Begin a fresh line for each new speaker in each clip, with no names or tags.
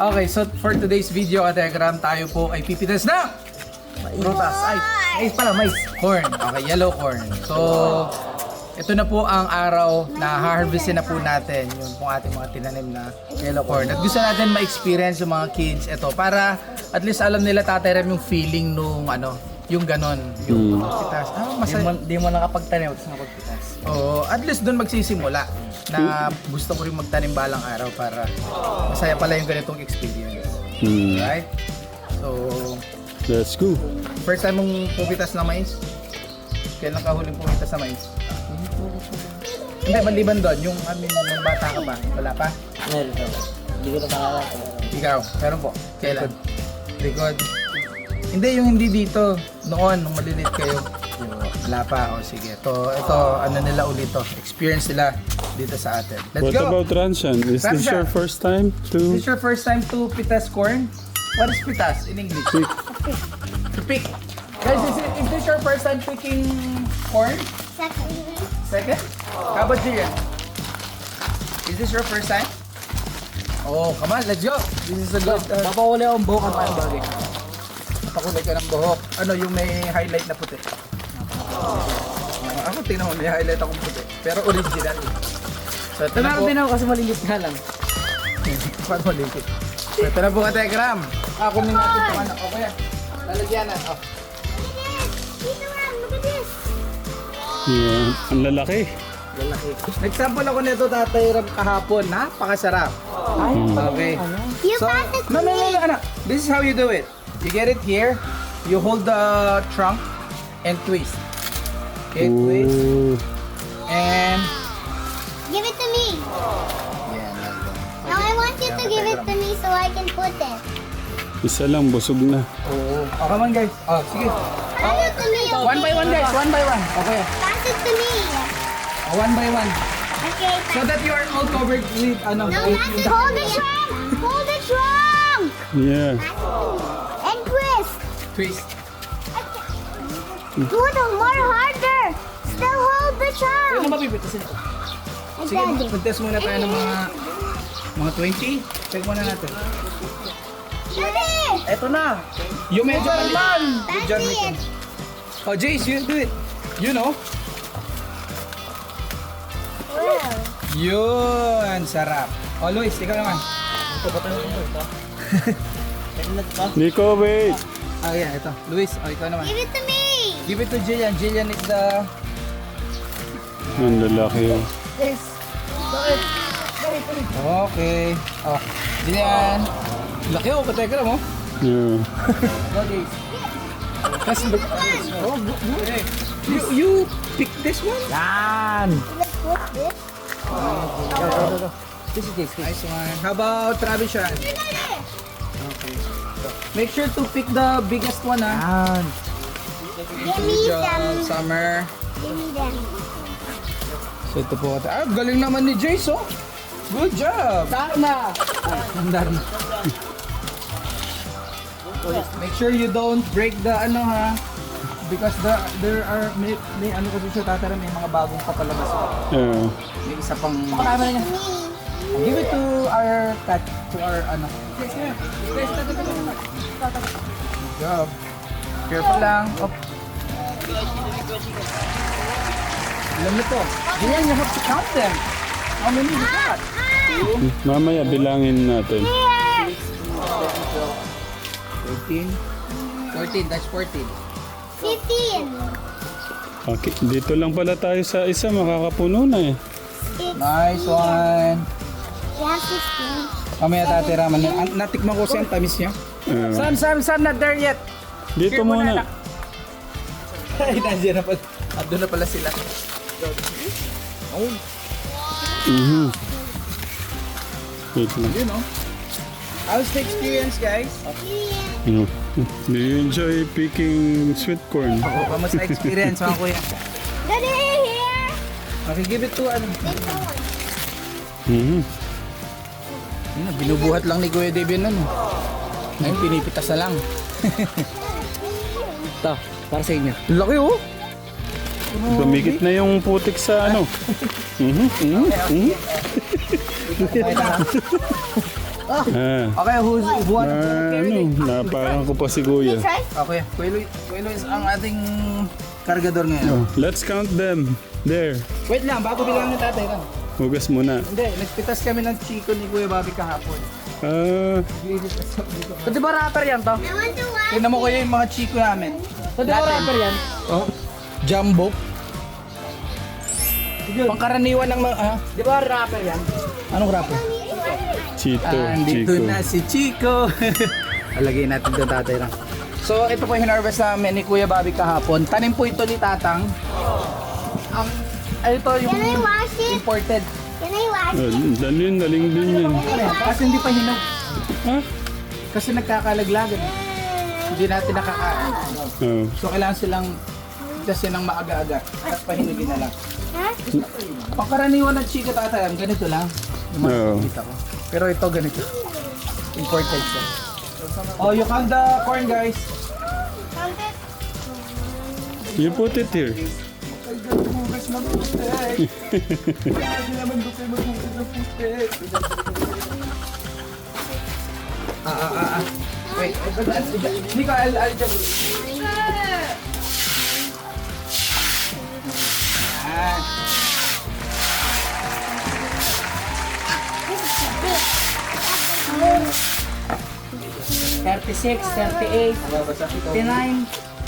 Okay, so for today's video, Kategram, tayo po ay pipitas na prutas. Ay, mais. Corn. Okay, yellow corn. So, ito na po ang araw na harvestin na po natin yung pong ating mga tinanim na yellow corn. At gusto natin ma-experience yung mga kids ito para at least alam nila Tatay Ram yung feeling nung yung ganon, yung pitas. Masaya.
Di mo nakapagtanim, tapos nakapagpitas.
Oo, at least doon magsisimula na gusto ko rin magtanim balang araw para masaya pala yung ganitong experience. Right? So,
Let's go.
first time mong pumitas na mais? Kailan ka huling pumitas na mais? Hindi, maliban doon, yung nung bata ka pa, wala pa?
Meron daw. Hindi ko na maalala.
Ikaw, meron po. Kailan? Likod. Hindi, yung hindi dito. Noon, nung maliliit kayo. Wala pa. O sige. Ito, nila ulit to. Experience nila dito sa atin. Let's
What
go!
about Ranshan? Is this
Ranshan.
your first time
Is
to
this your first time to pitas corn? What is pitas in English?
pick?
To pick. Guys, is this your first time picking corn? Second? How about Jillian? Is this your first time? Oh, come on, let's go! This is a good...
Papawala akong buhok ang parang bagay.
Pakulay ka ng buhok. Ano yung may highlight na puti? Ako tingnan mo, may highlight akong puti. Pero original. So ito na po.
Meron din ako kasi malilit nga lang.
Paano maliit? So ito na po ka Telegram. Kunin natin ito anak. O kaya, lalagyanan. Oh.
Yeah, ang lalaki.
Lalaki. Nag-sample ako nito Tatay Ram kahapon. Napakasarap. Okay.
You
So,
pass it to
no,
me.
anak. This is how you do it. You get it here. You hold the trunk and twist. Okay, twist.
Ooh.
And...
Give it to me.
Yan, like that.
Now I want you to give it to me so I can put it.
Isa lang, busog na.
Oo. Oh, come on guys. Oh, sige.
Pass it to me, okay?
One by one guys. One by one. Okay.
Pass it to me.
One by one.
Okay.
So that you are all covered with
No,
with
pass it.
the-
Hold the trunk. Hold the trunk.
Yeah.
And twist.
twist.
Do it more harder. Still hold the
Ano
trunk.
mapipitasin ito?
Sige, mag-test muna tayo ng mga 20. Check muna natin.
Daddy.
Ito na!
Yung medyo mali. Good job,
That's
Michael.
it.
Oh, Jace, you do it. You know.
Wow.
Yun, sarap. Oh, Luis, ikaw naman.
Ito ba tayo ito? Ito na ito.
Nico, wait.
Ah, yeah, ito. Luis, oh, ikaw naman.
Give it to me.
Give it to Jillian. Jillian is the...
Ang lalaki. Oh.
Yes. Okay. Oh, Jillian. Laki ako, katekra mo.
Yeah.
No, Jace. Kasi, oh, good. You pick this one?
Yan!
Let's put this.
This is this.
Nice one. How about Travishan?
Here, Daddy.
Okay. Make sure to pick the biggest one, ha?
Yan!
Give me
Good job,
them.
Summer.
Give me them.
So ito po. Ah, galing naman ni Jace, oh. Good job.
Darna!
Nandar na. Make sure you don't break the ha. Because there are may kasi siya Tatay Ram, may mga bagong papalabas.
Yeah.
May isa pang
Pakama na niya.
Me.
give it to our cat, to our Good job. Careful lang. Op. Alam mo to. Ganyan, you have to count them. How many you got?
Mamaya bilangin natin.
14. 14, that's 14.
15.
Okay, dito lang pala tayo sa isa, makakapuno na eh.
Nice one.
Yeah, 16.
Mamaya Tatay Ram, natikman ko siya ang tamis niya.
Yeah.
Sam, not there yet.
Dito muna.
Ay, nandiyan na pala. Andun na pala sila. Oh,
Mhm. Wait lang.
you know. How's the experience, guys?
No. Do you enjoy picking sweet corn?
Oh, kamusta experience, mga kuya?
Daddy, here.
Okay, give it to
This one.
Mhm.
Yun na, binubuhat lang ni Kuya Dave yun, ano. Ngayon, pinipitas na lang.
Ito, para sa inyo.
Laki, oh.
Dumikit na yung putik sa ano. Mhm. Mhm. Mhm.
Okay, who wants to carry it?
Naparang ko pa si Kuya.
Try?
Okay, Kuya Luis ang ating kargador ngayon.
Let's count them. There.
Wait lang, bago bilang ni tatay lang.
Hugas muna.
Hindi, nagpitas kami ng chiko ni Kuya Bobby kahapon. So, di ba rapper yan to?
I want to watch.
Tignan mo kuya yung mga chiko namin. So, di ba rapper yan? Oh, Jumbo. Pangkaraniwan ng mga, di ba rapper yan? Anong rapper?
Chito.
Andito
Chico.
na si Chico. Alagay natin ito tatay lang. So, ito po yung hinarvest namin ni Kuya Bobby kahapon. Tanim po ito ni Tatang. Ito yung
Can I wash it?
imported.
Can I wash it?
Daling din yan.
Kasi hindi pa hinog.
Ha?
Kasi nagkakalaglagan. Hindi natin nakakain.
Oh.
So, kailangan silang kasi ng maaga-aga at pahinugin na lang.
Huh?
Pangkaraniwan ng chika tatay, ganito lang. Yung mga
Oo.
nakikita ko. Pero ito ganito. Imported siya. Oh, you count the corn guys.
Count it.
You put it here.
Wait, Nico, I'll just... Ah.
36, 38, 39.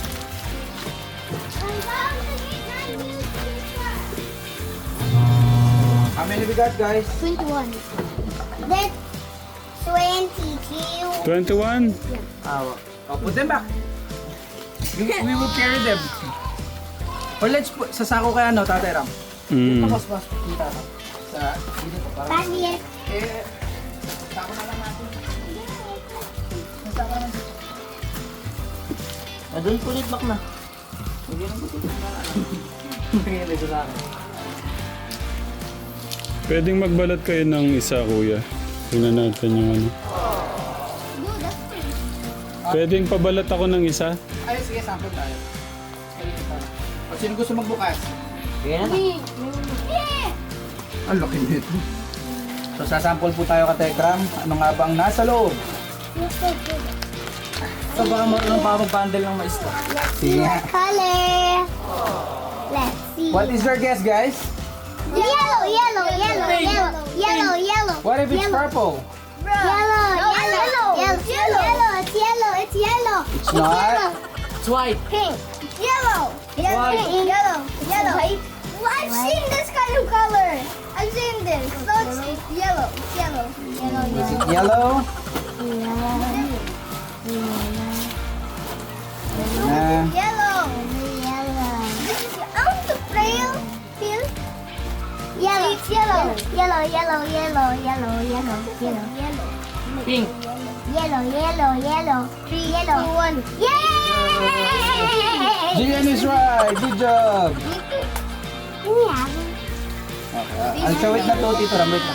How many we got guys?
21. That's 22.
21?
Oh, put them back. We will carry them. Or let's put, sa sako kaya no, Tatay Ram? Tapos kita sa dito ko para.
Back here.
Eh, sako na lang natin.
Doon pulit back na. Hindi na pulit na. Nangyari sa akin.
Pwedeng magbalat kayo ng isa, Kuya. Tingnan natin yung ano.
No, that's pretty.
Pwedeng pabalat ako ng isa?
Ay, sige, sample tayo. O sino gusto magbukas?
Kaya na.
Yeah.
Ang laki nito. So, sasample po tayo ka Tekram. Ano nga ba ang nasa loob?
You're so good.
So baka marunong pa mag-bundle ng mais to.
Let's see what color. Let's see.
What is your guess, guys?
Yellow, yellow, yellow, yellow, yellow, yellow.
What if it's
Yellow.
purple?
Yellow, yellow, it's yellow, it's yellow, it's yellow.
It's not.
It's white.
Pink. Yellow.
White.
Pink. Yellow. Yellow. Well, I've seen this kind of color. I've seen this. So it's yellow. It's yellow. Yellow.
Is it yellow? Nah.
Yellow. Yellow. This is out the trail. Feel? Yellow. It's yellow. Yellow. Yellow. Yellow. Yellow. Yellow. Yellow. Yellow.
Pink.
Yellow. Yellow. Yellow. 3, yellow. 2, 1. Yay!
Jillian is right. Good job.
Yeah.
Okay. I'll show it na to, Tito Ram. Wait lang.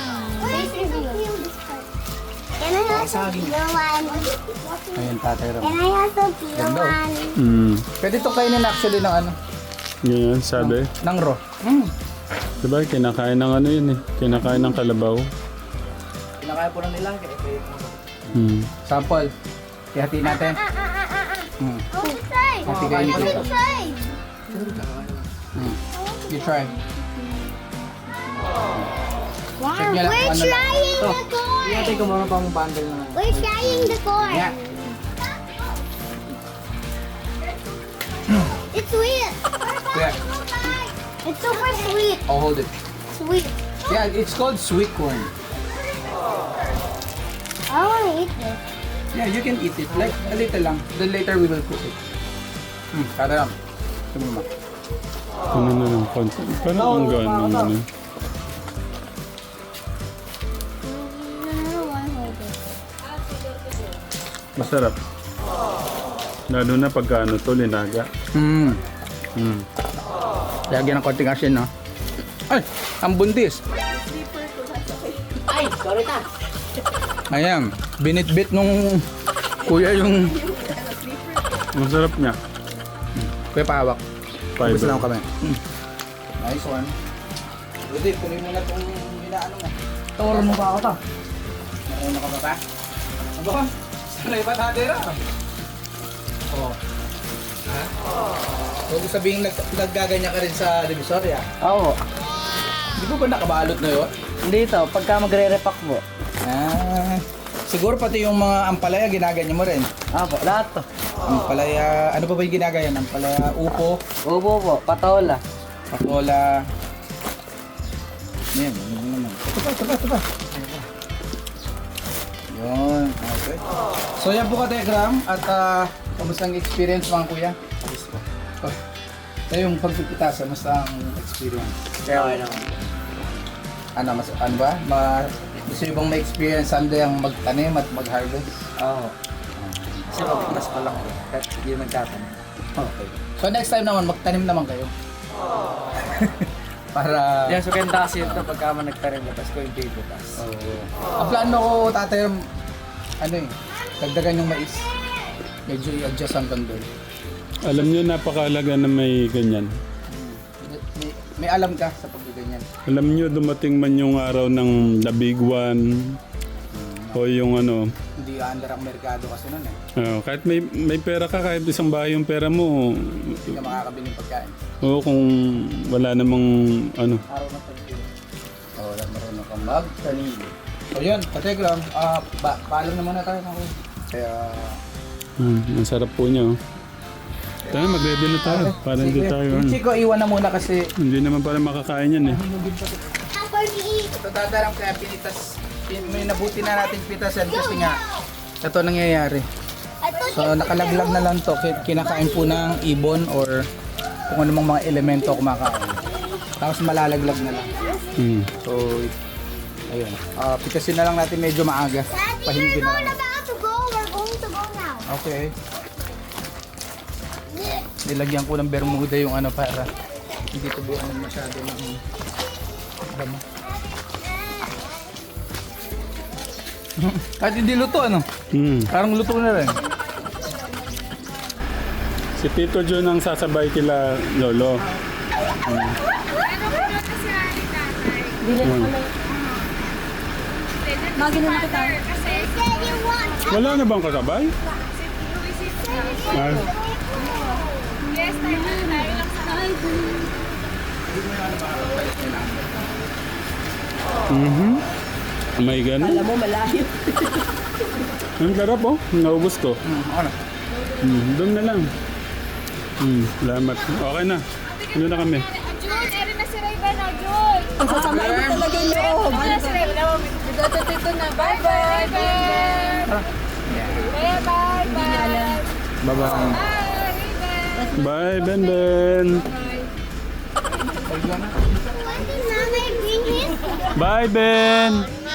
Can I also feel one?
Ayun, Tatay Ram.
Can I also feel
Ganda, oh.
one?
Pwede ito kainin actually ng ano?
Ganyan, sabi.
Ng raw.
Diba, kinakain ng ano yun eh. Kinakain ng kalabaw.
Kinakaya po lang nila.
Sample. Ihati natin.
I want to try.
Hati kayo
I
nito.
want to try.
You try.
Wow,
Check nyo lang
we're
kung ano lang.
trying
Ito.
the corn.
Iyatay ko marunong pa mag-bundle na.
We're trying the corn.
Yeah.
It's sweet.
Yeah.
It's super sweet.
I'll hold it.
Sweet.
Yeah, it's called sweet corn.
I want to eat this.
Yeah, you can eat it. Like, a little lang. Then later we will cook it. Tatay Ram. Tumuma.
Ano na lang, konti. Parang ang gaan ng ano. Masarap. Lalo na pagka ano to, linaga.
Lagyan ng konting asin, no? Ay! Ang buntis!
Ay! Sorry ta!
Ayan, binitbit nung kuya yung
Masarap niya.
kuya pahawak. Ubus
Fiber.
lang kami. Nice one. Rudy, kunin mo na itong binaano nga.
Tawaro mo ba ako ta?
Una ka ba ba? Aba, sanay ba tatira? Oo. Ha? Huwag ko sabihin naggaganyan ka rin sa Divisoria.
Oo.
Di ba ba nakabalot na yun?
Dito, pagka magre-repack po.
Ah, siguro pati yung mga ampalaya ginaganyan mo rin.
Opo, lahat to.
Ampalaya, ano ba ba yung ginagayan? Ampalaya, upo,
Upo po, patola.
patola. Yan, yun naman. Ito pa. Yun, okay. So yan po ka Telegram at kamusta ang experience mga kuya? Oh. Tayo yung pagpipitasan, kamusta ang experience?
Okay naman.
Ano ba? Gusto nyo bang ma-experience someday ang magtanim at mag-harvest?
Oo. Kasi magpitas pa lang po. Kahit hindi nagtatanong.
Okay. So next time naman, magtanim naman kayo. Para...
Yan, so kaya kasi ito pagka man nagtarim na, tapos ko yung pipitas.
Ang plano ko tatay, dagdagan yung mais. Medyo i-adjust hanggang doon.
Alam niyo, napakahalaga na may ganyan.
May alam ka sa pagganyan.
Alam niyo, dumating man yung araw ng the big one o yung ano,
Hindi under ang merkado kasi nun eh.
kahit may pera ka, kahit isang bahay yung pera mo,
Hindi ka makakabili ng pagkain.
o kung wala namang ano.
Araw na pagkain. Wala marunong kang magtanim. So yun, Kategram, paalam na muna tayo. Kaya...
Ang sarap po niya. Oh. Tayo, mag-ready na tayo. Para hindi
Sige.
tayo.
Yung Chico, iwan na muna kasi
Hindi naman pala makakain yan eh.
Apple to eat.
ito tatarang kaya pinitas. May nabuti na natin pitasan kasi nga ito nangyayari. So nakalaglag na lang to. Kinakain po ng ibon or kung anumang mga elemento kumakain. Tapos malalaglag na lang.
Mm.
So ayun. Pitasin na lang natin medyo maaga.
Daddy,
Pahingin
we're
na lang.
about to go. We're going to go now.
Okay. Nilagyan ko ng bermuda yung ano para hindi tubuan masyado ng damo. Kahit hindi luto ano?
Mm.
Parang luto na rin.
Si Tito John ang sasabay kila Lolo.
Daddy, what?
Wala na bang kasabay? Ah, may ganun.
Alam mo, malayo.
Ang sarap oh. Naubos ko.
Ano?
Doon na lang. Salamat. Okay na. Ano na kami?
Jun, erin na si Rayban na, Jun.
Sasabay mo talaga yung loob.
Ano na si Rayban? Dito na. Bye-bye. Bye-bye. Bye-bye.
Bye-bye.
Bye, Ben Ben.
When did Mama bring his?
Bye, Ben.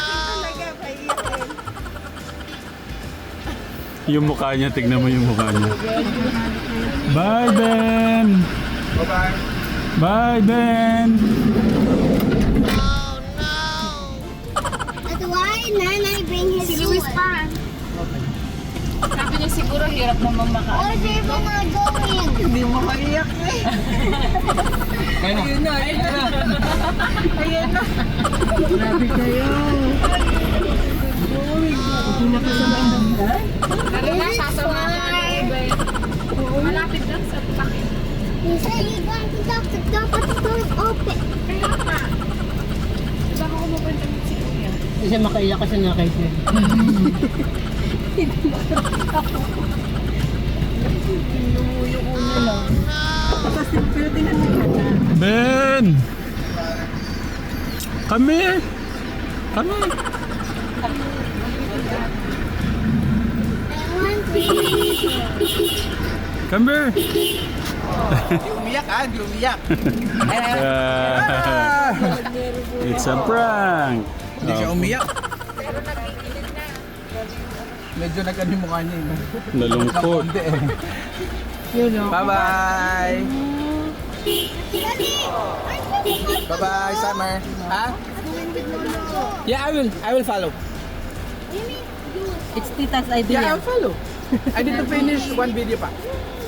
Yung mukha niya, tignan mo yung mukha niya. Bye, Ben.
Bye-bye.
Bye, Ben.
That's why Nana bring his
Si Luis
food.
pa. Sabi niya siguro hirap naman maka.
Or they will not go in.
Hindi mo maiyak eh.
Ayun na.
Ayan na. Grabe kayo. Hindi na kasama ang banday.
Pero na, sasama ka na Rayban. Malapit lang sa pakit.
He said he's going to talk the door, but the door is open.
Kaya pa. Diba ako mapunta si Kuya?
Hindi siya makaiyak kasi nakaiyak.
Ben. Kami. Kami.
I want to
Kami.
Di umiyak di umiyak.
It's a prank.
Hindi siya umiyak. Medyo nag-ano yung mukha niya eh.
Nalungkot.
Nakonde eh. Bye-bye. Bye-bye, Summer. Ha? Yeah, I will follow.
It's Tita's
Yeah,
idea.
I'll follow. I need to finish one video pa.